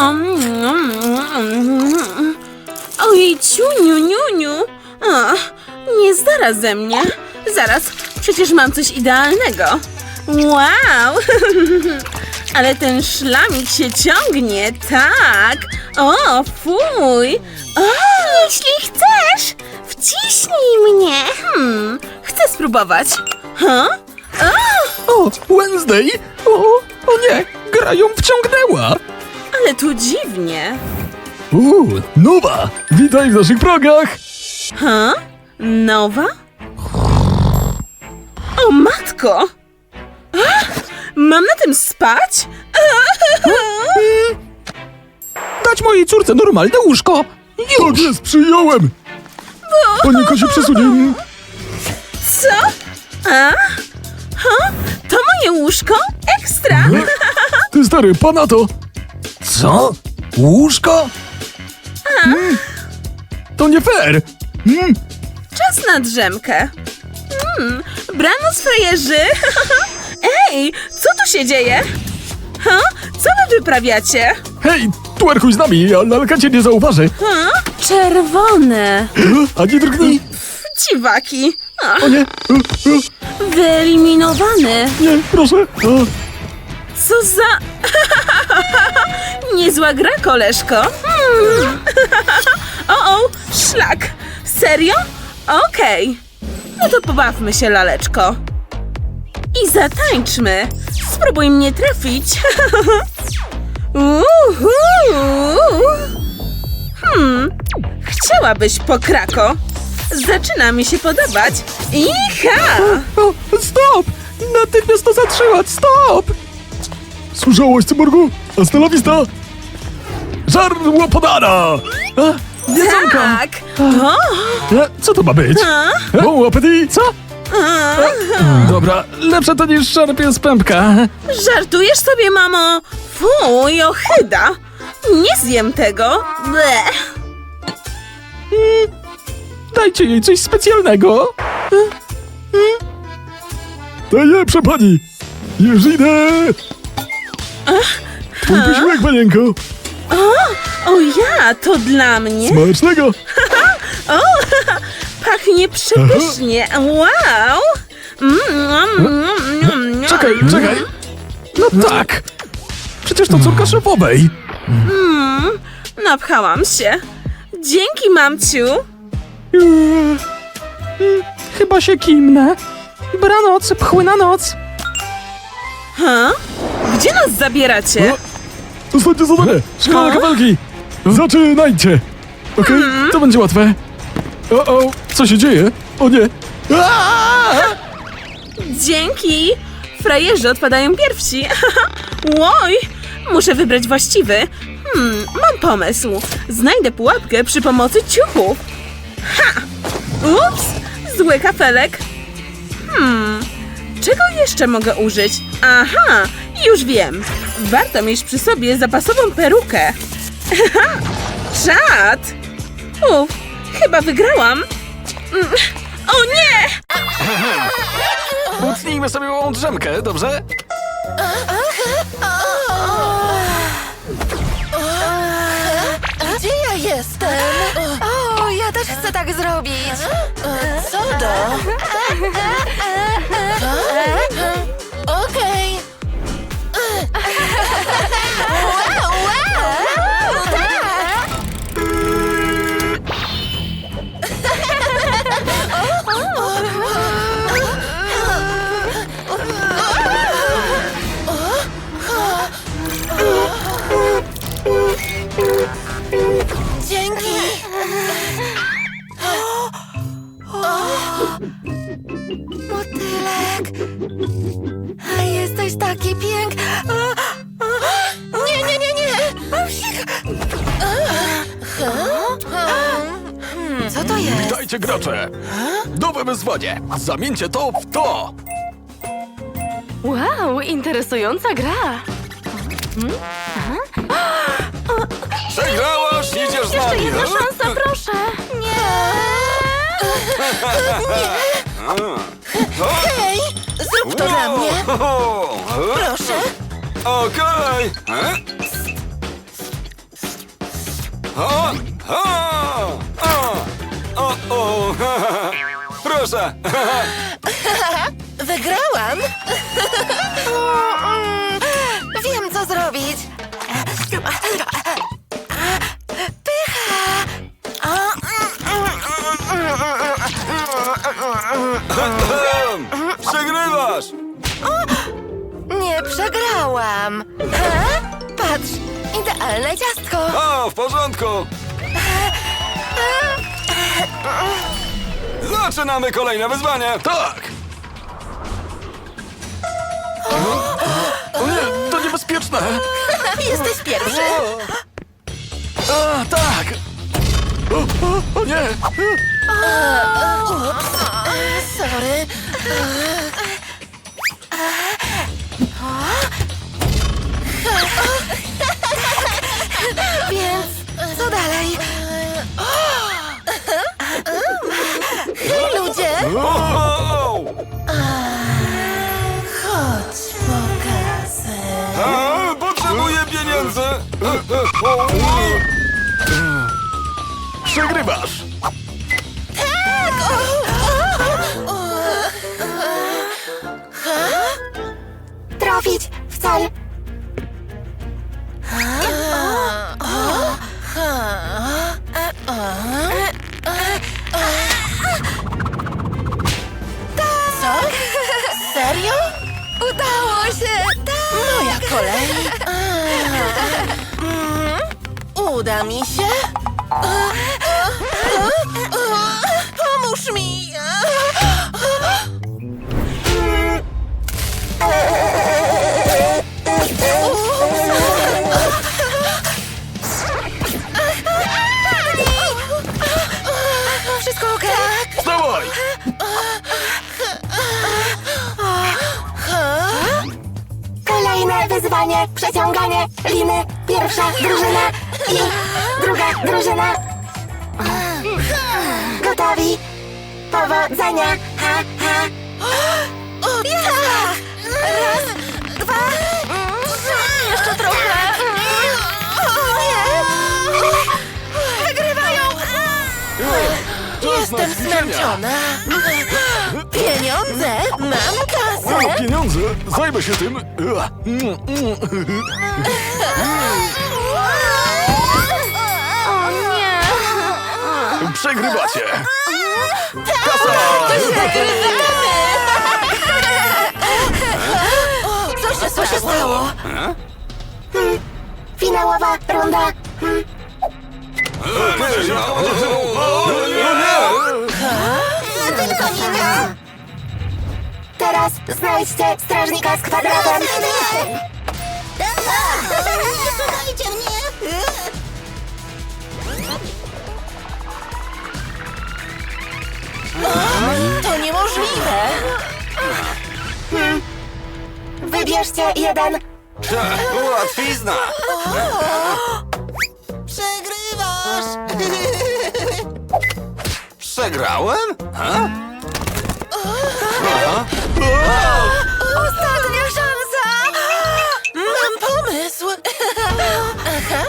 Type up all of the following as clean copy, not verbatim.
Ojej, ciuniu, niuniu. Nie zdara ze mnie. Zaraz, przecież mam coś idealnego. Wow! Ale ten szlamik się ciągnie, tak. O, fuj. Jeśli chcesz, wciśnij mnie. Chcę spróbować. O, Wednesday! O nie, gra ją wciągnęła! Ale tu dziwnie. Nowa! Witaj w naszych progach! Nowa? O matko! Mam na tym spać? Dać mojej córce normalne łóżko! Już! Tak jest, przyjąłem! Panika się przesunie! Co? To moje łóżko? Ekstra! Ty stary, pana to... Co? Łóżko? To nie fair! Czas na drzemkę. Brano z frajerzy. Ej, co tu się dzieje? Co wy wyprawiacie? Hej, twerkuj z nami, a lalka cię nie zauważy! Czerwone. Ani drgnij! Dziwaki. O nie! Wyeliminowany. Nie, proszę! Co za... Niezła gra, koleżko. O, szlak. Serio? Okej. No to pobawmy się, laleczko. I zatańczmy. Spróbuj mnie trafić. Chciałabyś, pokrako? Zaczyna mi się podobać. Iha! Stop! Natychmiast to zatrzymać! Stop! Słyszałaś, cyborgu? Hasta la vista! Żarło podana! Jedzonka! Tak! Co to ma być? Bon appetit! Co? Dobra, lepsze to niż szarpie z pępka. Żartujesz sobie, mamo? Fuj, ohyda! Nie zjem tego! Bleh. Dajcie jej coś specjalnego. Najlepsza pani! Już idę! Twój posiłek, panienko! O ja, to dla mnie? Smacznego! Pachnie przepysznie! Wow! Czekaj! No tak! Przecież to córka szefowej! Napchałam się. Dzięki, mamciu! Chyba się kimnę. Dobranoc, pchły noc. Gdzie nas zabieracie? Ostatnie zadanie! Szkoła kabelki! Zaczynajcie! Okej, to będzie łatwe. Co się dzieje? O nie! Dzięki! Frajerzy odpadają pierwsi. Łoj! Muszę wybrać właściwy. Mam pomysł. Znajdę pułapkę przy pomocy ciuchów. Ups! Zły kafelek. Czego jeszcze mogę użyć? Aha! Już wiem. Warto mieć przy sobie zapasową perukę. Czad! Chyba wygrałam. O nie! Utnijmy sobie małą drzemkę, dobrze? Gdzie ja jestem? O, ja też chcę tak zrobić. Co do? Okej. Wow, tak. Dzięki. Motylek. Jesteś taki piękny. Nie. Co to jest? Dajcie gracze! Nowe wyzwanie! Zamieńcie to w to! Wow, interesująca gra. Przegrałaś, idziesz z Jeszcze nami! jedna szansa, proszę. Hej, zrób to dla mnie. Proszę. Okej! O! O! O! O! Proszę! Wygrałam! Wiem, co zrobić. Pycha! Przegrywasz! Nie przegrałam. Patrz, idealne ciastko. O, w porządku! Zaczynamy kolejne wyzwanie! Tak! O nie, to niebezpieczne! Jesteś pierwszy. A, tak! O nie! Ups, sorry. Więc co dalej? Hej, ludzie! O! Chodź, pokażę. A, potrzebuję pieniędzy! Przegrywasz! Trafić w cel. Co? Serio? Udało się! Tak. Moja kolej. Uda mi się? Pomóż mi! Wszystko okej? Dawaj! Kolejne wyzwanie, przeciąganie liny. Pierwsza drużyna i druga drużyna. Gotowi? Powodzenia! Ha, ha. Tak! Raz, dwa, trzy! Jeszcze trochę! Nie! Wygrywają! Jestem zmęczona! Pieniądze! Mam O, kasę! pieniądze! Zajmę się tym! O nie! Przegrywacie! Co się stało? Finałowa runda. Tylko nie ja. Teraz znajdźcie strażnika z kwadratem. Słuchajcie mnie. To niemożliwe! Wybierzcie jeden. Łatwizna! Przegrywasz! Przegrałem? Ha? Ostatnia szansa! Mam pomysł! Aha!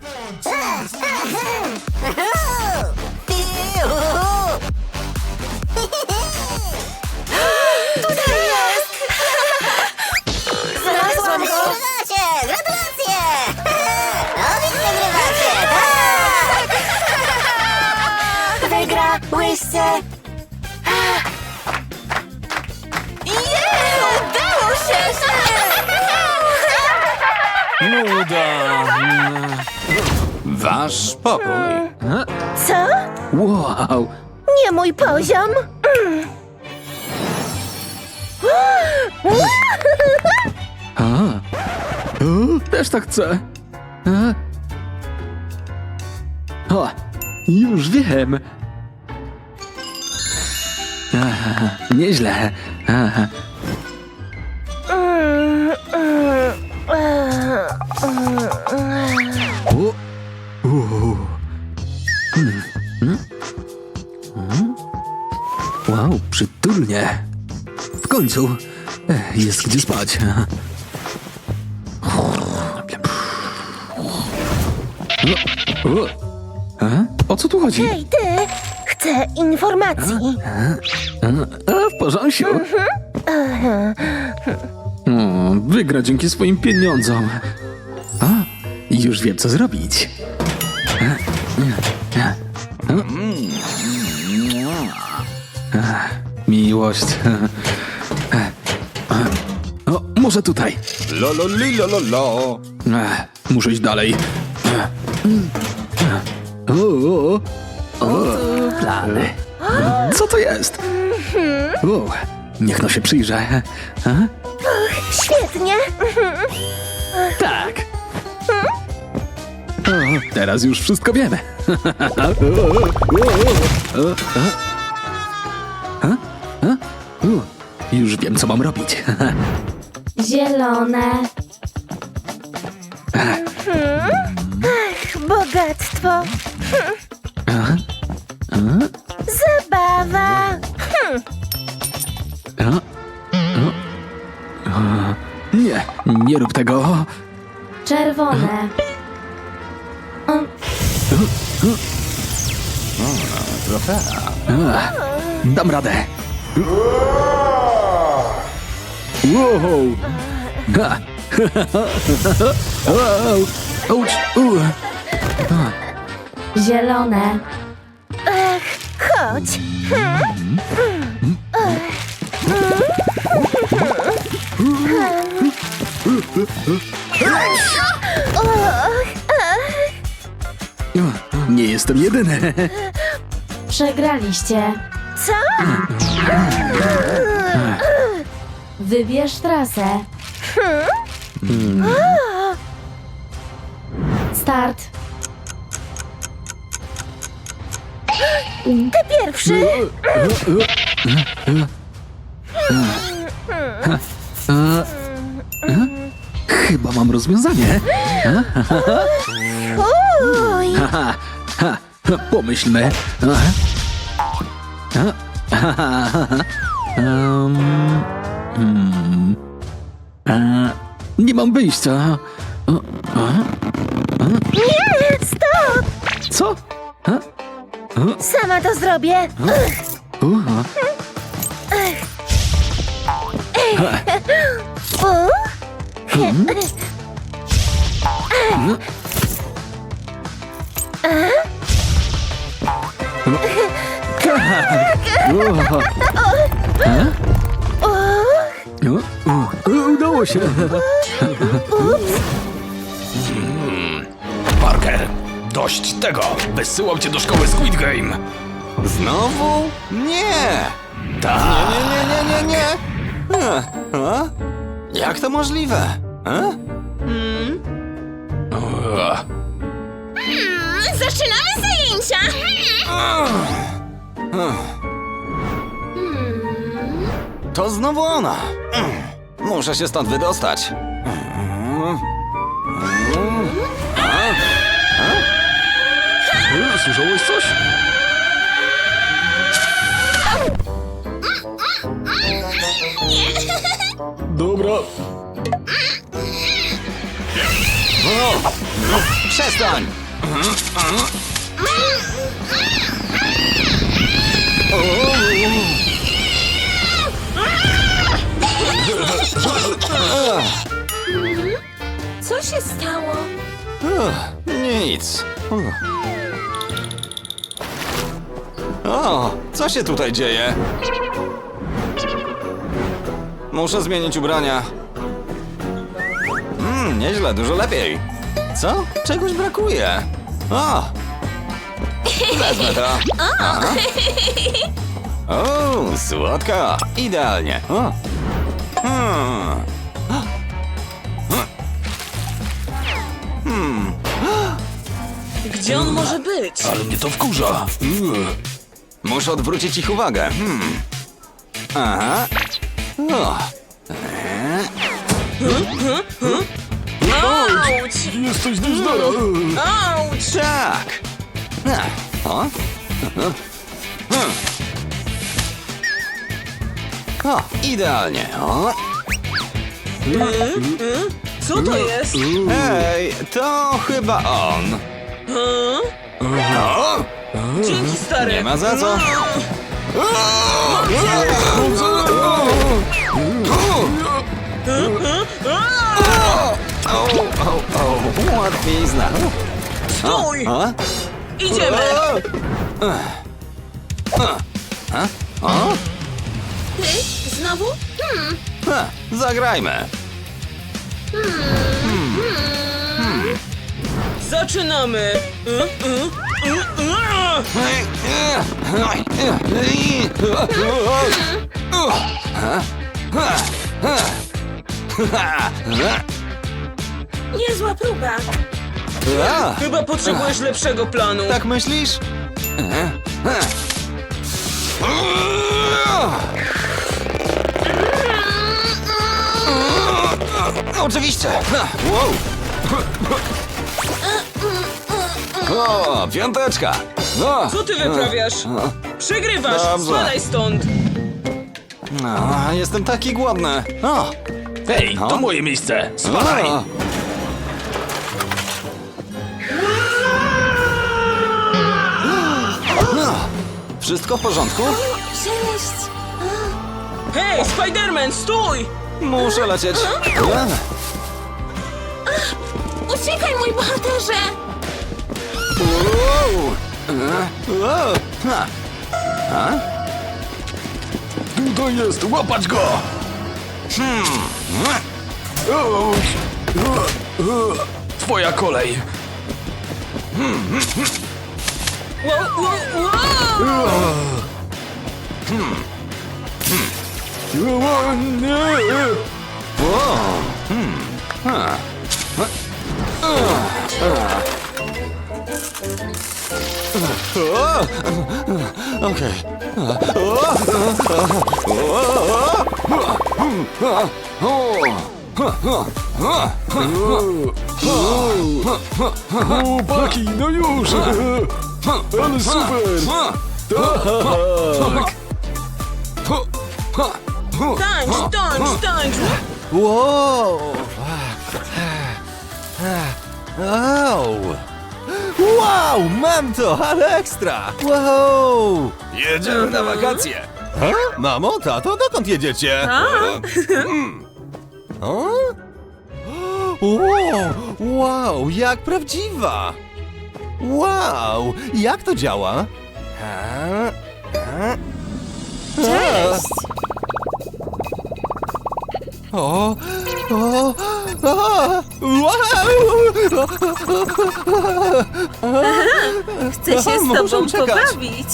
Tutaj jest! Znalazłam go! Gratulacje! Wy wygrywacie, tak! Wygrałyście. Jej! Udało się! Nuda! Wasz pokój. Co? Wow! Nie mój poziom. A. O, też tak chcę. O, już wiem. Aha, nieźle. Aha. O, Wow, przytulnie. W końcu jest gdzie spać. O, O co tu chodzi? Hej, ty! Chcę informacji. W porządku. Wygra dzięki swoim pieniądzom. Już wiem, co zrobić. Miłość. O, może tutaj. La la li la la la. Muszę iść dalej. Plany. Co to jest? Niech no się przyjrzę. Świetnie. Tak. Teraz już wszystko wiemy. Już wiem, co mam robić. Zielone. Bogactwo. Zabawa. Nie, nie rób tego. Czerwone. Dam radę. Wow. Ha. Auć. Zielone. Chodź. Nie jestem jedyny. Przegraliście. Co? Wybierz trasę. Start. Ty pierwszy. Chyba mam rozwiązanie. Uj. Pomyślmy. Nie mam wyjścia. Nie, stop. Co? Sama to zrobię. Udało się. Parker, dość tego! Wysyłam cię do szkoły Squid Game! Znowu? Nie! Tak! Nie. Jak to możliwe? Zaczynamy zajęcia! To znowu ona! Muszę się stąd wydostać. Słyszałeś coś? Dobra. Przestań! Co się stało? Nic. O, co się tutaj dzieje? Muszę zmienić ubrania. Nieźle, dużo lepiej. Co? Czegoś brakuje. O! Wezmę to. O, słodka. Idealnie. O. Gdzie on może być? Ale mnie to wkurza. Muszę odwrócić ich uwagę. Aha. O. Auć! Jesteś niezdara. Auć! Tak. O. O, idealnie. O. Co to jest? Hej, to chyba on. O, Dzięki, stary. nie ma za co. Łatwizna. Stój! A? Idziemy! Ty? Znowu? Ha, zagrajmy. Zaczynamy! Niezła próba. A, Chyba potrzebujesz lepszego planu. tak myślisz? Oczywiście. Wow. O, piąteczka. No. Co ty wyprawiasz? Przegrywasz! Dobrze. Spadaj stąd! No, jestem taki głodny. O. Hej, to moje miejsce! Spadaj! O. Wszystko w porządku? Cześć! Hej, Spiderman, stój! Muszę lecieć. Uciekaj, mój bohaterze! Tutaj jest! Łapać go! Twoja kolej! Wow, wow, wow. Okej. Chłopaki, no już! Ale super! Tańcz, tańcz, tańcz! Wow! Wow! Wow! Mam to, ale ekstra! Wow! Jedziemy na wakacje! Mamo, tato, dokąd jedziecie? O? Wow, jak prawdziwa! Wow, jak to działa? Cześć! O, Chcę się z Muszę tobą uciekać. pobawić.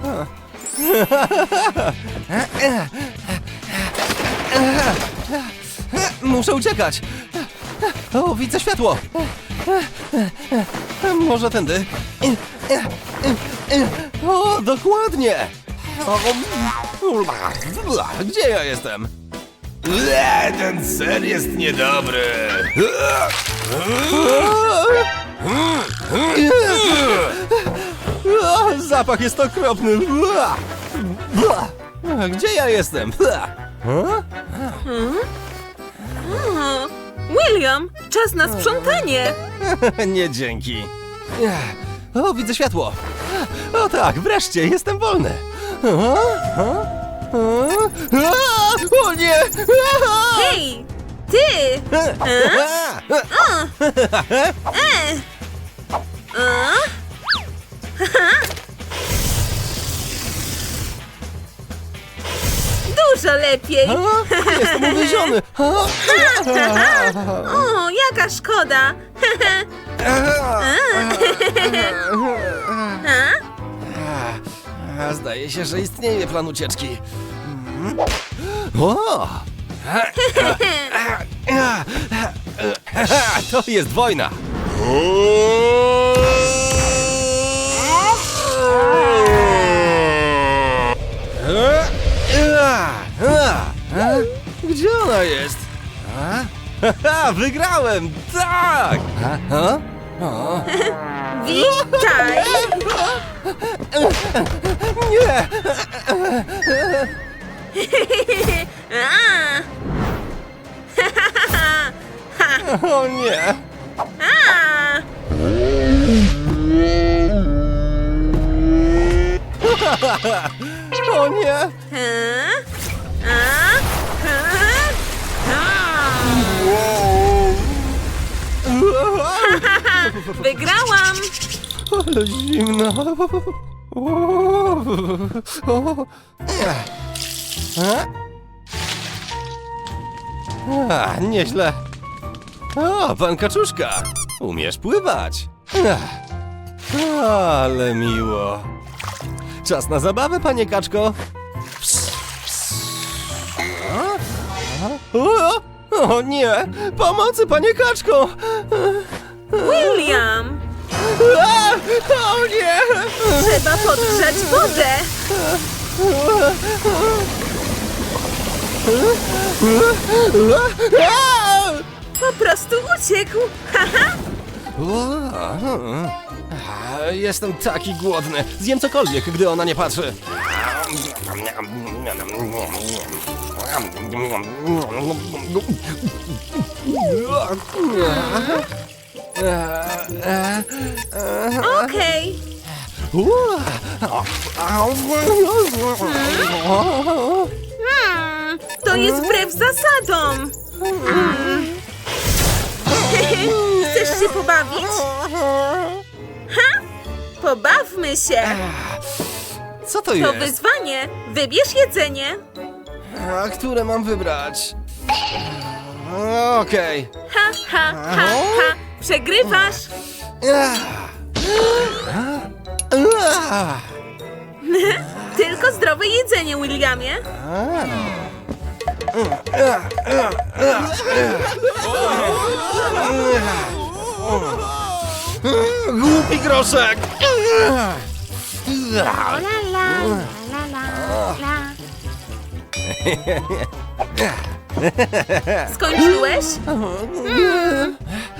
Muszę uciekać! O, widzę światło! Może tędy? O, dokładnie! Gdzie ja jestem? Ten ser jest niedobry! Zapach jest okropny! Gdzie ja jestem? William, czas na sprzątanie. Nie dzięki. O, widzę światło. O tak, wreszcie, jestem wolny. O nie! Hej, ty! Dużo lepiej. Jestem uwieziony. O, jaka szkoda. Zdaje się, że istnieje plan ucieczki. O! To jest wojna. Gdzie ona jest? Wygrałem! Tak! Witaj. Nie! O nie! O nie! Wygrałam! Ale zimno. Nieźle. O, pan Kaczuszka. Umiesz pływać. Ale miło. Czas na zabawę, panie Kaczko. O nie! Pomocy, panie Kaczko! William! O nie! Trzeba podgrzać wodę! Po prostu uciekł! Haha! Jestem taki głodny. Zjem cokolwiek, gdy ona nie patrzy. Okej! To jest wbrew zasadom! Chcesz się pobawić? Ha? Pobawmy się! Co to To jest? wyzwanie! Wybierz jedzenie! A które mam wybrać? Okej. Ha, ha, ha, ha! Przegrywasz! Tylko zdrowe jedzenie, Williamie! Głupi groszek! Skończyłeś?